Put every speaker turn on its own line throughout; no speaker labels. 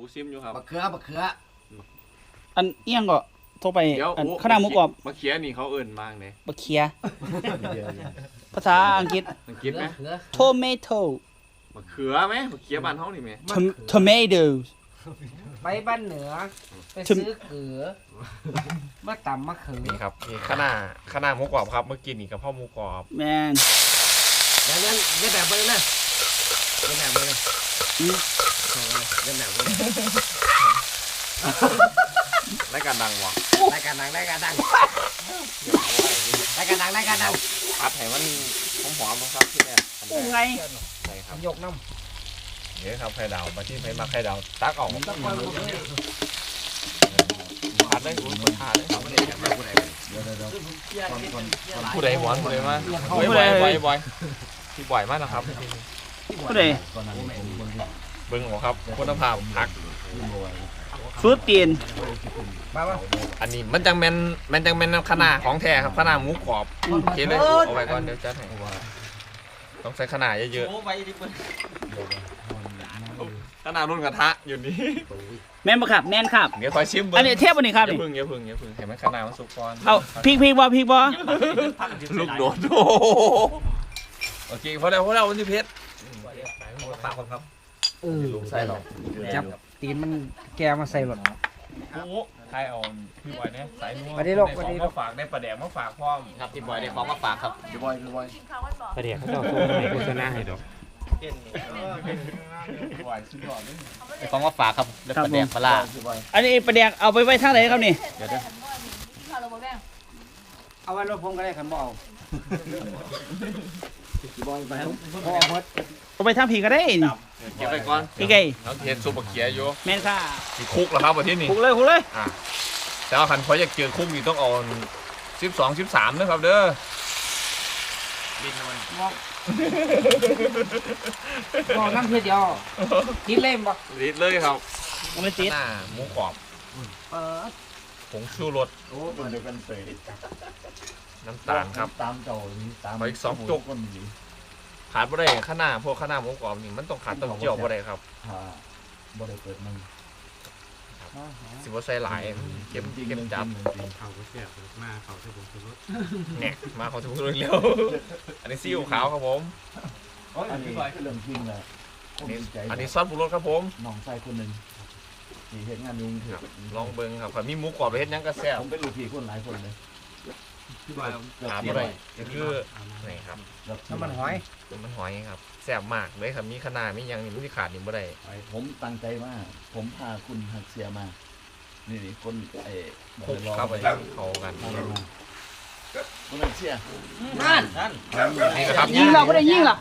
ซิมอยู่ครับ
บักเขือ
อันเอียงก็โทรไป
เดี๋ยว
อันข้าวหน้าหมูกรอบ
มะเขือนี่เขาเอิ่นมากเลย
บะเคียภาษาอังกฤษ
สังกฤษไหม
tomato
มะเขือไหมมะเขือบ้านเฮานี่ไหม
tomatoes
ไปบ้านเหนือไปซื้อเขือมาตำมะเขือ
นี่ครับนี่ข้าวหน้าหมูกรอบครับเมื่อกี้นี่กับพ่อหมูกรอบ
แมน
เล่นแบบไปเลยนะเล่นแบบไปเลยเล่นแบบไปเลย
รายการดังวะ
รายการดัง
ผัดให้มันหอมๆครับที่แรก
โอ้ไง
ใช่ครับ
ยกน้
เดี๋ยวครับไข่ดาวมาที่ไผ่มาไข่ดาวตักออก
ำตะกอนหมดเลย
ผัดได้คุณคนทานได้ผู้ใดหวานผู้ใดมาบ่อยที่บ่อยมากนะครับ
ผู้ใด
เบิ้งหัวครับคุณภาพผัก
ฟูดตีน
อันนี้มันจังแมนข้าวหน้าของแท้ครับข้าวหน้าหมูกรอบโอเคเลยเอาไว้ก่อนเดี๋ยวจัดให้ต้องใส่ข้าวหน้าเยอะ
ขนาดรุ่นกระทะอยู่นี่
แมนบ่ครับแมนครับ
ๆเดี๋ยวคอยชิมเบิ้ง
อันนี้เทียบวันนี้ครับ
อย่า
นี่
พึ่งเห็นไหมข้าวหน้ามันสุกก่อน
เอาพริกบ่พริกบ่
ลูกโดดโอเคพอแล้ววันนี้เพชรฝากคนครับ
ใส่หรอ
จับตีนมันแกมาใส่หลอด
โอ้ใครเอาพี่บอยเนี่ยสายนัว
ไปดิลูก
ของมาฝากได้ปลาแดกมาฝากพร้อม
ครับพี่บอยได้ของมาฝากครับ
พี่บอย
ประเดี๋ยวเขาจะส่งให้โฆษณาให้ดอก
บอยสุดยอดเลย
ได้ของมาฝากครับได้ประเดี๋ยวปลา
อันนี้ประเดี๋ยวเอาไปไว้ทางไหนครับนี่
เอาไว้รถผมก็ได้ขันบ่เอา
พี่บอยไป
พอหมด
เอาไปทางผีก็ได้นี่
เก็บไปก่อน
พี่ไก่
น้องเทียนซุปบะเขียอยู่
แมนค่ะ
มีคุกเหรอครับวันที่นี่
คุกเลย
อ่ะแต่ว่าคันพออยากเจอคุกนี่ต้องเอา12 13นะครับเด้อ
บอกน้ำเพียเดียวกินเล่มบ่
ลิตรเลยครับ
มันไม่ติด
หน้าหมูกรอบผงชูรส
โอ้มันเดียวกันเสย
น้ำตาลครับ
ตามเจ้านี้ตาม
ขออีก2จุก ขาดบ่ได้ข้าวหน้าพวกข้าวหน้าหมูกรอบนี่มันต้องขาดเต้าเจี้ยวบ่ได้ครับ
บ่ได้เปิดมึง
สิบ่ใส่หลายเค็มจับ
เขาก็แซ่บมากเขาที่ผมซื้อรถ
เนี่ยมาขอทุกเร็วอันนี้ซีอิ๊วขาวครับผม
อันนี้คือเรื่องจริงเลย
อันนี้ซอสปรุงรสครับผม
น้องชายคนหนึ่งที่เห็นงานยุงเถอะ
ลองเบิ่งครับมีหมูกรอบไปเฮ็ดหยังก็แซ่บ
ผมเป็นลูกพี่คนหลายคนเลย
พี่บอย
หาบ่ได้นี่คือนี่ครับ
น้ำมันหอย
มันหอยครับแซ่บมากเลยครับมีขนาดมีหยังนี่มันสิขาดนี่บ่ได้
ผมตั้งใจมากผมพาคุณหักเสียมานี่คนไอ้
คลุกเข้าไปเข้ากัน
คุณหักเสีย
นั่น
นี่นะครับ
ยิงเราไม่ได้ยิงหรอก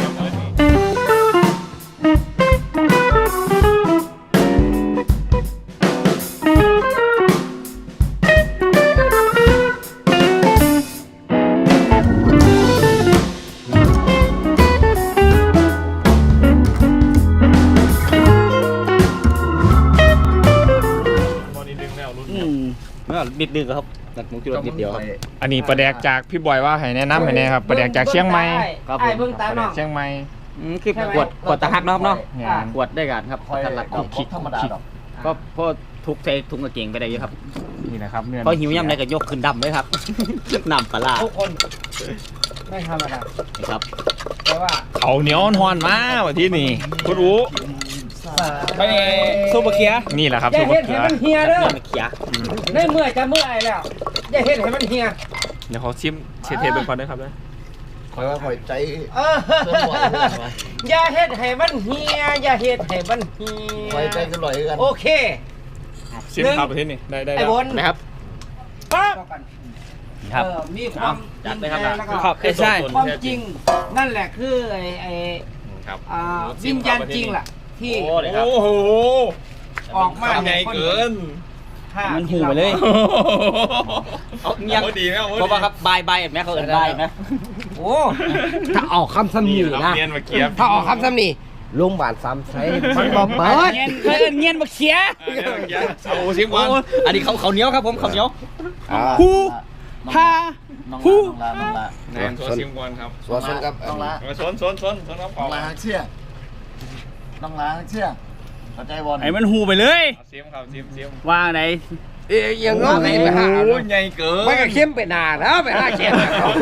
บอดี้ดึงแล้วรุ่น
นิดนึงครับตัดหมูจุดนิดเดียวครับ
อันนี้ปลาแดกจากพี่บอยว่าให้แนะนำให้แน่ครับปลาแดกจากเชียงใหม่
ครับผม
ไอ้เบิ่ง
ป
ตา
ลาแด
เนาะ
กเชียงใหม่
คือขวดตะฮักนะครับเนาะ
เนี่ย
ขวดได้กันครับ
คอย
ทันรัด
เอาคิดธรรมดาหรอก
ก็พอทุกใส่ถุงกระเกงไปได้เยอะครับ
นี่นะครับเนื้อ
พอหิวย่ำไรก็ยกขึ้นดำเลยครับ น้ำปลา
ทุกคนไม่ธรรมดา
นี่ครับ
แต่ว่า
เขาเหนียวหอนมาวันที่นี่คุณอู๋
ไปซุปบะเคีย
นี่แหละครับ
อย่า
ซุป
เฮ็
มะ
ด
เขื
ให้
อ
มันเฮียเด้อ
น้ำเขีย
ได้เมื่อยจะเมื่อยแล้วอย่าเฮ็ดให้มันเฮีย
เดี๋ยวเขาชิมเชฟเทเป็นคนด้วยครับเลย
คอยว่าคอยใจ
เอออย่าเฮ็ดให้มันเฮียอย่าเฮ็ดให้มันเฮี
คอยใจ
ย
กันลอยกัน
โอเค
ชิมครับวันที่นี่ได้
ไอ้บน
นะครับ
ปั๊บ
นี่ครับ
มีความ
จัดเลยครับ
แล้วก็
ครับใช่
ความจริงนั่นแหละคือไอ้
ครับ
วิญญาณจริงล่ะ ที่
โอ้เลยครับ
โอ้โห
ออกมา
ใหญ่เกิน
ถ้า
มันหูไปเลย
เอาเงียบ
ดีไหม
เพราะว่าครับบายแม่เขาเอินบายไหม
โอ้ถ้าออกคำซ้ำนี่นะ
เนียนมาเกียบ
ถ้าออกคำซ้ำนี่โรงพยาบาลซ้ำใช้มันบ่เปิด
เงียนเอินเงียนบะเคีย
เอาชิมก่อน
โอ้อันนี้เขาเหนียวครับผมเขาเหนียว
ฮูฮา
น้อง
ฮู
ลาน้องลา
แนนตัวชิมก่อนครับ
สวนกับน้องลา
ชนครับ
น้องลาหักเชี่ยน้องลาหักเชี่ยเข้าใจบอล
ไอ้มันหูไปเลย
เสียมครับเสียม
ว่างไหน
ยังงอไปหา
โอ้ยใหญ่เกิน
ไม่ก็เข้มไปนาแล้วไปหาเข้ม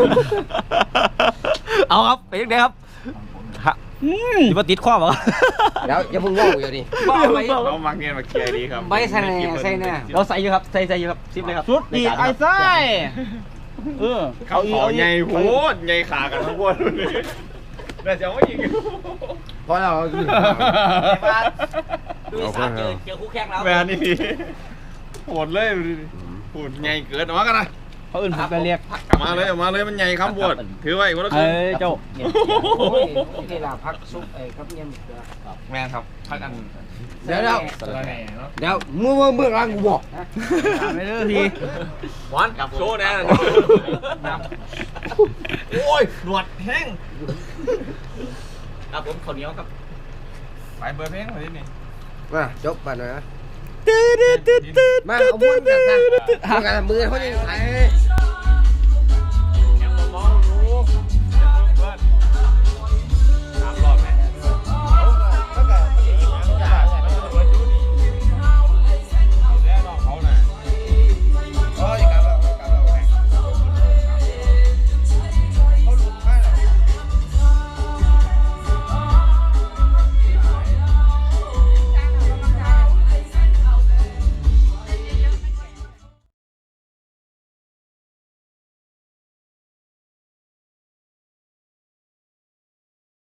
เอาครับไปยังไงครับ
อยู่มาติดข้อบ่
แล้วอย่าพึ่งงออยู่ดิ
เรามักเงียนมาเคลียร์ดีครับ
ใบใส่ใส่เนี่ย
เราใส่อยู่ครับใส่อยู่ครับซิปเลยครับ
สุดดีไอ้ไส้เออ
เขาขอใหญ่โหดใหญ่ขากันทั้งวนเลยแต่จะไม่ยิง
เพราะเรา
ดูสามเจอคู่แข่งแล้ว
แม่นี่โหดเลยโหดใหญ่เกินออกมากันนะ
เขาอื่นผมก็เรียก
มาเลยมันใหญ่ครับบวชถือไว้คนละค
เอ้
รึ่ง
ยเจ้า
โอ้ยนี่ล่ะพักซุปไอ้กับเงี้ย
แม่ครับพักกัน
เดี๋ยว
สลัดแหน่เนาะ
เดี๋ยวเมื่อรังกูบอก
ถามไปเรื่อยที
หวานกับโชว์แน่โอ้ยหนวดแห้ง
ครับผมข้าวเหนียวครับ
ไปเบอร์เพลงมาที่นี่
มาจบไปหน่อยนะมาเอาบุญกันซะมือเขาจะ